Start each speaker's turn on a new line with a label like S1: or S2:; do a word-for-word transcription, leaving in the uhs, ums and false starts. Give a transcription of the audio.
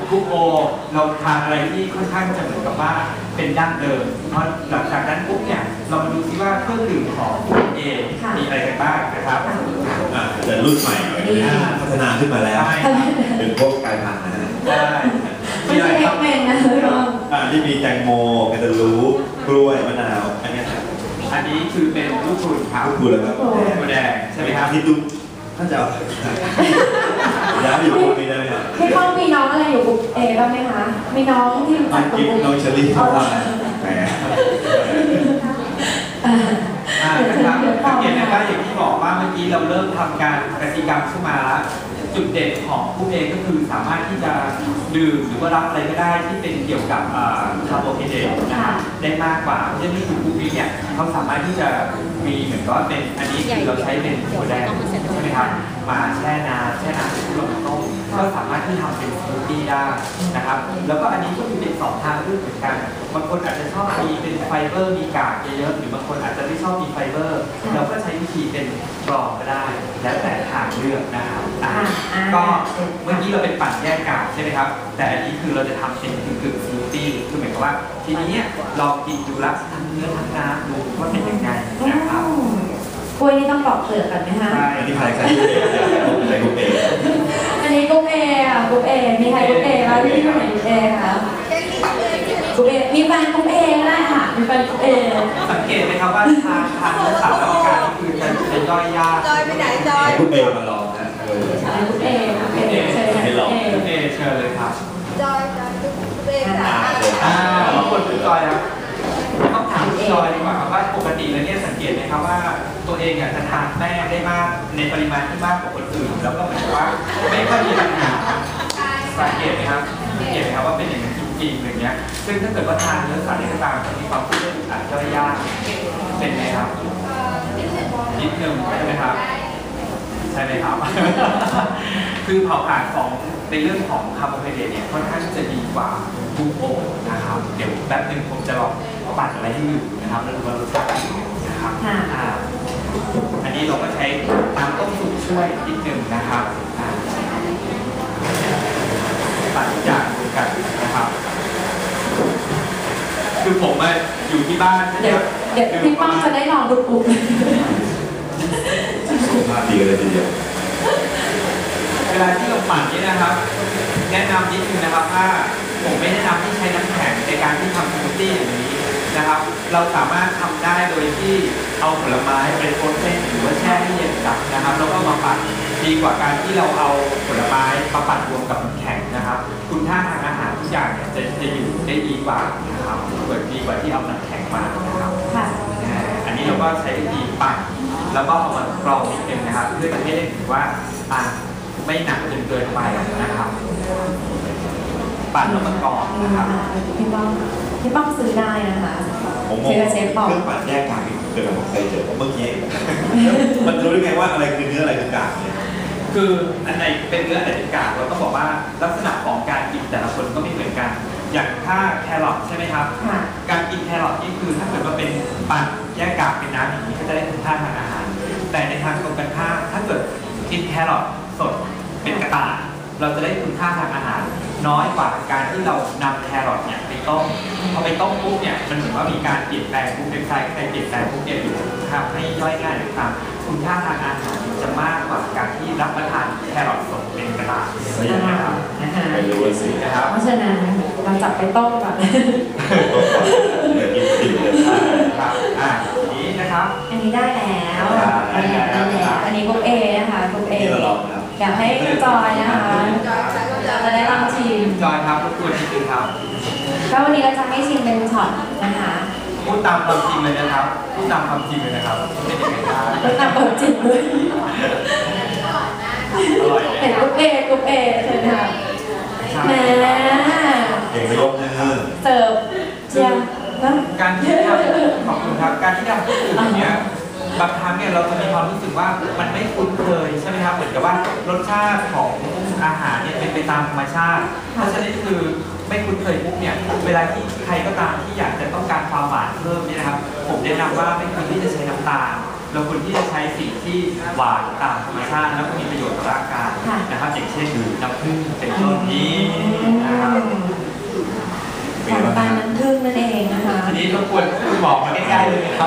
S1: กรุ๊ปโอเราทานอะไรที่ค่อนข้างจะเหมือนกับว่าเป็นดั้งเดิมเพราะหลังจากนั้นปุ๊บเนี่ยเรามาดูซิว่าเครื่องดื่มของกรุ๊ปเอมีอะไรกันบ้างนะครับ
S2: แต่รุ่นใหม่พัฒนาขึ้นมาแล้วเป็นพวกกายพันธุ์นะฮะ
S1: ใช่
S3: ไม่ใช่เอ็กเมนนะพี่รอง
S2: อ่าที่มีแตงโมแคนตาลูปกล้วยมะนาวอันนี้
S1: อันนี้คือเป็นลูกคุณครับ
S2: ลูกคุณแล้วครับ
S1: โมแดงใช่ไหมครับ
S2: ที่ตุ้มท่านจะเอาย้ายอยู่กลุ่มนี้ได้ไหมครับ
S3: พี่ป้องมีน้องอะไรอยู่กลุ่มเอบ้างไหมคะมีน้องที่รู้จักกลุ่ม
S2: น้องเชอรี่เข้ามาแหม
S1: นะครับสังเกตนะครับอย่างที่บอกว่าเมื่อกี้เราเริ่มทำการกติกรรมขึ้นมาแล้วจุดเด่นของผู้เองก็คือสามารถที่จะดื่มหรือว่ารับอะไรก็ได้ที่เป็นเกี่ยวกับคาร์โบไฮเดรตนะครับได้มากกว่าเพราะฉะนั้นคือผู้นี้เนี่ยเขาสามารถที่จะมีเหมือนกับว่าเป็นอันนี้คือเราใช้เป็นถั่วแดงใช่ไหมครับมาแช่น้ำแช่น้ำที่ลงต้มก็สามารถที่ทำเป็นสมูทตี้ได้นะครับแล้วก็อันนี้ก็มีเป็นสองทางเลือกเหมือนกันบางคนอาจจะชอบมีเป็นไฟเบอร์มีกากเยอะๆหรือบางคนอาจจะไม่ชอบมีไฟเบอร์เราก็ใช้วิธีเป็นกรองก็ได้แล้วแต่ทางเลือกนะครับก็เมื่อกี้เราเป็นปั่นแยกกากใช่ไหมครับแต่อันนี้คือเราจะทำเป็นกึ่งๆสมูทตี้คือหมายความว่าทีนี้เนี่ยลองกินดูละทั้งเนื้อทั้งน้ำดูว่าเป็นยังไงนะครับ
S3: กล้วยนี่ต้องปอกเปลือกกันไหมคะ
S2: อันนี้ใครใครกรุ๊ปเอใครกรุ๊ปเอ
S3: อันนี้กรุ๊ปเออ่ะกรุ๊ปเอมีใครกรุ๊ปเอบ้างที่อยู่ไหนกรุ๊ปเอคะกรุ๊ปเอมีแฟนกรุ๊ปเอก็ได้ค่ะมีแฟนกรุ๊ปเอ
S1: สังเกตไหมครับว่าทางทางเนื้อสัตว์และการนี่คือจะจะย่อยยาก
S4: จอยไปไหนจอย
S2: กรุ๊ปเอมาลองนะ
S3: กรุ๊ปเอกรุ๊ปเอเชิญ
S2: ให้ลอง
S1: กรุ๊ปเอเชิญเลยครับ
S4: จอยจอยกรุ๊ปเอค่ะ
S1: อ่าบางคนคือจอยครับต้องถามจอยดีกว่าครับว่าปกติแล้วเนี่ยสังเกตไหมครับว่าตัวเองจะทานแป้งได้มากในปริมาณที่มากกว่าคนอื่นแล้วก็เหมือนว่าไม่ค่อยมีปัญหาสังเกตไหมครับสังเกตไหมครับว่าเป็นอย่างนั้นจริงๆอย่างเงี้ยซึ่งถ้าเกิดว่าทานเนื้อสัตว์ในต่างๆจะมีความรู้สึกอาจจะยากเป็นไหมครับนิดนึงใช่ไหมครับใช่ไหมครับคือเผาผลาญของในเรื่องของคาร์โบไฮเดรตเนี่ยค่อนข้างจะดีกว่าบูโอนะครับเดี๋ยวแป๊บนึงผมจะลองปั่นอะไรให้ดูนะครับแล้วดูว่ารสชาตินะครับอันนี้เราก็ใช้น้ำต้มสุกช่วยนิดนึงนะครับปั่นทุกอย่างรวมกันนะครับคือผมอยู่ที่บ้านใช่ไหมครับ
S3: เดี๋ยวพี่ป้องจะได้ลองดูปุ๊บ
S2: สุขภาพดีเลยทีเดียว
S1: เวลาที่เราปั่นนี่นะครับแนะนำนิดนึงนะครับว่าผมไม่แนะนำที่ใช้น้ำแข็งในการที่ทำสมูทตี้อย่างนี้นะครับเราสามารถทำได้โดยที่เอาผลไม้เป็นโพสเซนหรือว่าแช่ให้เย็นจัดนะครับแล้วก็มาปั่นดีกว่าการที่เราเอาผลไม้มาปั่นรวมกับน้ำแข็งนะครับคุณค่าทางอาหารทุกอย่างเนี่ยจะจะอยู่ได้ดีกว่านะครับเกิดดีกว่าที่เอาน้ำแข็งมานะครับอันนี้เราก็ใช้วิธีปั่นแล้วก็เอามากรองนิดนึงนะครับเพื่อจะให้ได้ถือว่าอ่าไม่หนักจนเกินไปนะครับปั่นแล้วก็กรองนะครับ
S3: พี่ป้องพี่ป้องซื้อได้นะคะ
S2: ผมมองเครื่องปั่นแยกกากเกิดผมเคยเจอเมื่อกี้มันรู้ได้ไงว่าอะไรคือเนื้ออะไรคือกากเนี่ย
S1: คืออันไหนเป็นเนื้ออันไหนเป็นกากเราต้องบอกว่าลักษณะของการกินแต่ละคนก็ไม่เหมือนกันอย่างถ้าแครอทใช่ไหมครับการกินแครอทนี่คือถ้าเกิดว่าเป็นปั่นแยกกากเป็นน้ำอย่างนี้ก็จะได้คุณค่าทางอาหารแต่ในทางตรงกันข้ามถ้าเกิดกินแครอทสดเป็นกระต่ายเราจะได้คุณค่าทางอาหารน้อยกว่าการที่เรานำแครอทเนี่ยไปต้มพอไปต้มปุ๊บเนี่ยมันเหมือนว่ามีการเปลี่ยนแปลงปุ๊บเป็นไซส์เปลี่ยนแปลงปุ๊บเนี่ยอยู่ทำให้ย่อยง่ายหรือตามคุณค่าทางอาหารจะมากกว่าการที่รับประทานแครอทสดเป็นกระต่ายนะครับ
S2: ไม่รู้สิ
S1: นะครับ
S3: เพราะฉะนั้นเราจับไปต้มก่อน
S2: เดี๋ยวกินติ่มเลย
S1: ครับอ่านี้นะครับ
S3: อันนี้ได้แล้วอันนี้ได้แล้วอันนี้กรุ๊ปเอนะคะกรุ๊ปเออยากให้จอยนะคะจะได้ลองชิม
S1: จอยครับรบกวนนิดนึงครับ
S3: ก็วันนี้เราจะให้ชิมเป็นช็อตนะคะ
S1: พูดตามความจริงเลยนะครับพูดตามความจริงเลยนะครับเป็นยังไงครับ
S3: พูดตามความจริงเลยเห็นกรุ๊ปเอกรุ๊ปเอเชิญค่ะแหม
S2: เก่งไปยกมือ
S3: เสิร์ฟเชียร์
S1: การที่ทำขอบคุณครับการที่ทำผู้อื่นอย่างเงี้ยบางครั้งเนี่ยเราจะมีความรู้สึกว่ามันไม่คุ้นเคยใช่ไหมครับเหมือนกับว่ารสชาติของอาหารเนี่ยเป็นไปตามธรรมชาติเพราะฉะนั้นคือไม่คุ้นเคยปุ๊บเนี่ยเวลาที่ใครก็ตามที่อยากจะต้องการความหวานเพิ่มเนี่ยนะครับผมแนะนำว่าไม่ควรที่จะใช้น้ำตาลเราควรที่จะใช้สิ่งที่หวานตามธรรมชาติแล้วก็มีประโยชน์ต่อร่างกายนะครับอย่างเช่นน้ำผึ้งเป็นต้นนี้นะครับ
S3: ของปานน้ำผึ้งนั่นเองนะคะ
S1: ทีนี้รบกวนคุณหมอมาใกล้ๆเลยครับ